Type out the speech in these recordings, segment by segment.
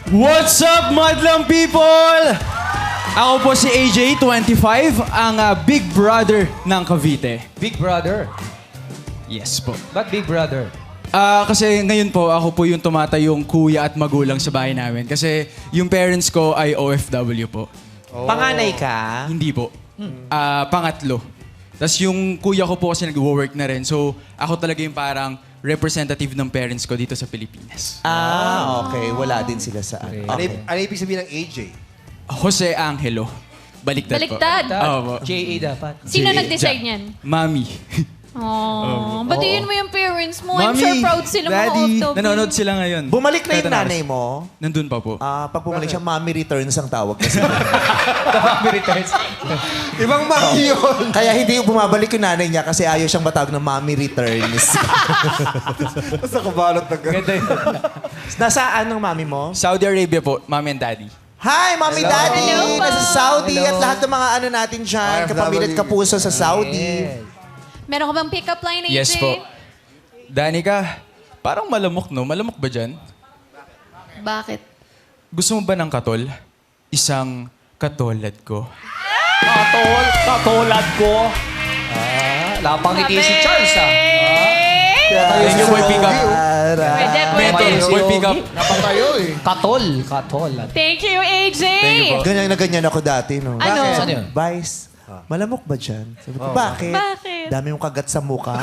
What's up, madlang people? Ako po si AJ, 25, ang big brother ng Cavite. Big brother? Yes po. Ba't big brother? Kasi ngayon po, ako po yung tumatayong kuya at magulang sa bahay namin. Kasi yung parents ko ay OFW po. Panganay ka? Hindi po. Pangatlo. Tapos yung kuya ko po kasi nag-work na rin. So, ako talaga yung parang representative ng parents ko dito sa Pilipinas. Okay. Wala din sila sa ano. Okay. Ano ibig sabihin ng AJ? Jose Angelo. Baliktad po. Baliktad. Oo po. JA dapat. Sino J- nag-decide Ja- niyan? Mami. Oh, batiin mo yung parents mo. I'm Mami, sure proud sila mga Daddy. OFW. Nanonood sila ngayon. Bumalik na yung Kahit nanay mo. Nandun pa po. Pag bumalik siya, mommy returns ang tawag kasi. Mami returns. Ibang mami yun. Kaya hindi bumabalik yung nanay niya kasi ayaw siyang matawag ng mommy returns. Tapos nakabalot na gano'n. Ganda yun. Nasaan ang mommy mo? Saudi Arabia po, mommy and daddy. Hi, mommy, daddy! Hello po. Nasa Saudi Hello. at lahat ng mga ano natin dyan. OFW. Kapamilya at kapuso sa Saudi. Meron ka bang pick-up line, AJ? Yes po. Danica, parang malamok, no? Malamok ba dyan? Bakit? Gusto mo ba ng katol? Isang katolad ko. Katolad ko. Lapang ngiti si Charles, Thank you for pick up. Pwede, Mentor, pwede. for pick up. Napatayo eh. Katol. Thank you, AJ! Thank you po. Ganyan na ganyan ako dati, no? Ano? Saan yun? Vice, malamok ba dyan? Sabi ko, bakit? Bakit? Dami yung kagat sa mukha.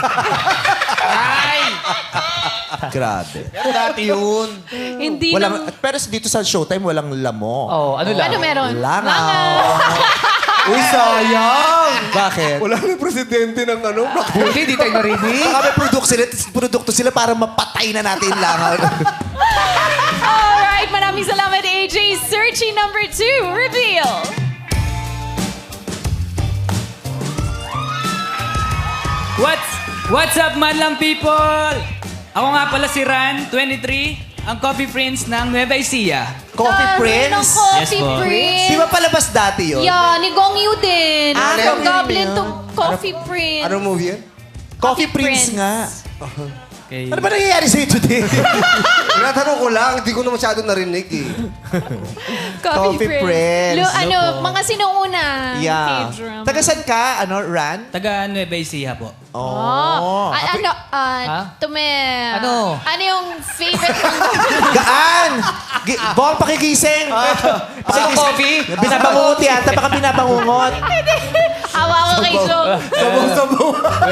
Grabe. Pero dati yun. Hindi Walang, pero dito sa Showtime, walang lamok. Oh, ano lang? Ano meron? Langaw. Uy, sayang! Bakit? Wala na presidente ng ano. Buti, di tayo narinig. Baka may produkto sila para mapatay na natin yung langaw. Alright, maraming salamat, AJ. Searching number 2, reveal. What's up, madlang people? Ako nga pala si Ran, 23, ang Coffee Prince ng Nueva Ecija. Coffee Ng Prince? Coffee Yes po. Prince. Di ba palabas dati yun? Yeah, ni Gong Yu din. From Gong Yu Goblin yun. to Coffee Prince. Anong movie yan? Coffee Prince nga. Okay. Ano ba nangyayari sa'yo today? Tinatanong ko lang, hindi ko na masyado narinig eh. Coffee Prince. Mga sinuuna. Yeah. K-drama. Taga saan ka? Ano, Ran? Taga Nueva Ecija po. Oh. Ano? Ano yung favorite mong... Gaan! Bong, pakigising! Sa coffee? Binabangungot yata, baka binabangungot. Hawa ko kay Jong. Sabong-sabong.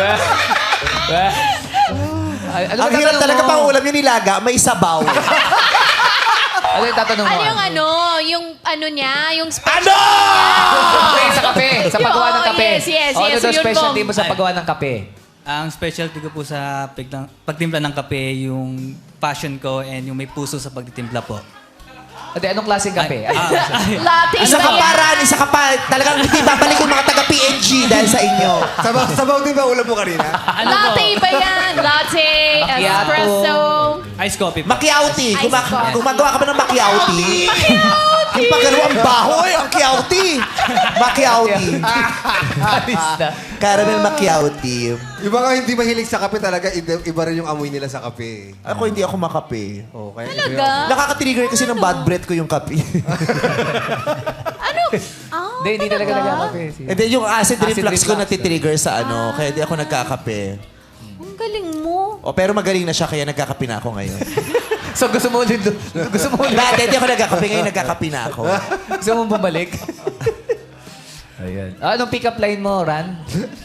Ano Ang hirap talaga pang ulam yung nilaga, may sabaw. Ano yung tatanong mo? Ano yung ano? Yung ano niya? Yung special Ano? Okay, sa kape. Sa paggawa ng kape. Yes. Ano daw Yun, specialty Bong. mo sa paggawa ng kape? Ang specialty ko po sa pagtimpla ng kape, yung passion ko and yung may puso sa pagtitimpla po. Ate, anong klaseng kape? Latte Isa ka ba pa, yan? Ran, isa ka pa. Talagang hindi babalik yung mga taga-PNG dahil sa inyo. Sabaw din ba ulam mo kanina? Latte ba yan? Latte, Macchiato. espresso. Ice coffee po. Makiauti. Ice coffee. Gumagawa ka ba ng makiauti? Yung pagano ang baho eh, ang kiauti. Makiauti. Alis na. Caramel makiauti. Yung mga hindi mahilig sa kape talaga, iba rin yung amoy nila sa kape. Ako hindi ako makape. Okay. Talaga? Nakaka-trigger kasi ng bad breath ko yung kape. Ano? Hindi talaga nagkakape. And then yung acid Acid reflux ko reflux. natitrigger sa ano, kaya di ako nagkakape. Ang galing mo. Pero magaling na siya, kaya nagkakape na ako ngayon. So gusto mo ulit doon? Gusto mo ulit? Dati di ako nagkakape, ngayon nagkakape na ako. Gusto mo bumalik? Ayan. Anong pick-up line mo, Ran?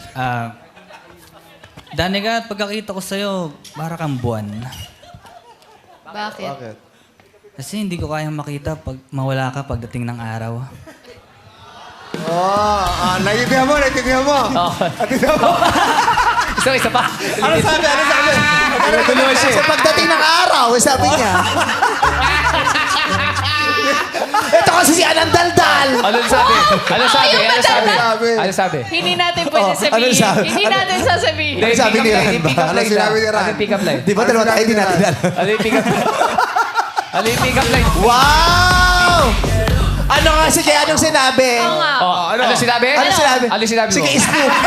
Danica, pagkakita ko sa'yo, para kang buwan. Bakit? Bakit? Kasi hindi ko kayang makita pag mawala ka pagdating ng araw. Naiintindihan mo. Naiintindihan mo. Isa pa. Ano sabi? Sa pagdating ng araw, sabi niya. Ito kasi si Anang Daldal. Ano sabi? Ano sabi? Ano sabi? Ano sabi? Hindi natin pwede ano sabihin. sabi? Hindi natin sasabihin. Ano sabi ni Ran ba? Ano sinabi ni Ran? Ano yung pick-up line? Di ba dalawa tayo, hindi natin alam. Ano yung pick-up line? Ano yung pick-up line? Wow! Ano nga si Kaya anong sinabi? Oo nga. Ano sinabi? Ano sinabi? Ano sinabi mo? Sige, Snoopy.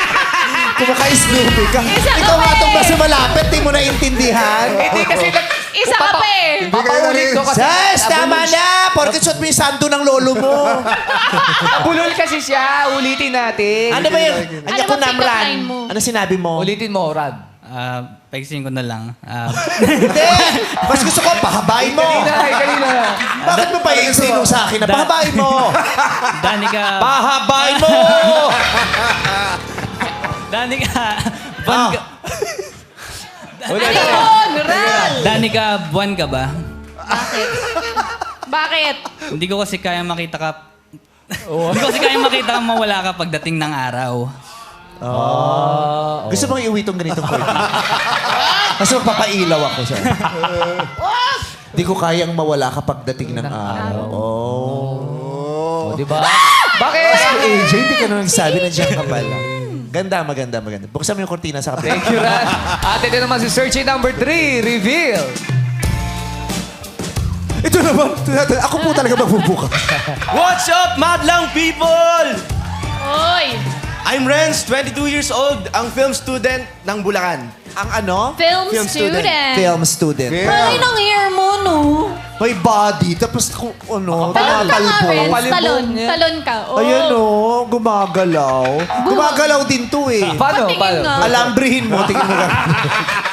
Kumaka-Snoopy ka. Isa ka Ikaw pa nga itong eh. basta malapit, di mo naintindihan. Hindi kasi Isa ka pa eh. Papaulit ko kasi. Sis, tama na! Porkit suot mo yung sando ng lolo mo. Bulol kasi siya. Ulitin natin. Ano ba yun? Ano Ano ba ko pick-up namran? line mo? Ano sinabi mo? Ulitin mo, Rad. Paigsin ko na lang. Hindi! Mas gusto ko, pahabain mo. Kanina. Bakit mo pa iinsino sa akin na pahabain mo? Danica, Pahabain mo! Danica, buwan ka, Ano yun? Ral! Danica, buwan ka ba? Bakit? Bakit? Hindi ko kasi kaya makita ka, hindi ko kasi kaya makita kang mawala ka pagdating ng araw. Gusto mong iuwi tong ganitong curtain? Kasi magpapailaw ako siya. Di ko kayang mawala kapag dating ng araw. Oh. Di ba? Bakit? AJ, hindi ka na nagsabi na dyan ka pala. Ganda, maganda, maganda. Buksan mo yung kortina sa kapila. Thank you, Rad. At ito naman si Searchy number 3, reveal. Ito naman, ako po talaga magbubuka. What's up, madlang people? Oy! I'm Renz, 22 years old, ang film student ng Bulacan. Ang ano? Film student. Film student. Malay ng hair mo, no? May body, tapos kung ano, Talon ka nga, tumatalbo. Renz. Kapalibong Talon. niya. Talon ka. Oh. Ayan o, gumagalaw. Gumagalaw din to eh. Paano? Patingin Paano? nga. Alambrihin mo, tingin mo ka.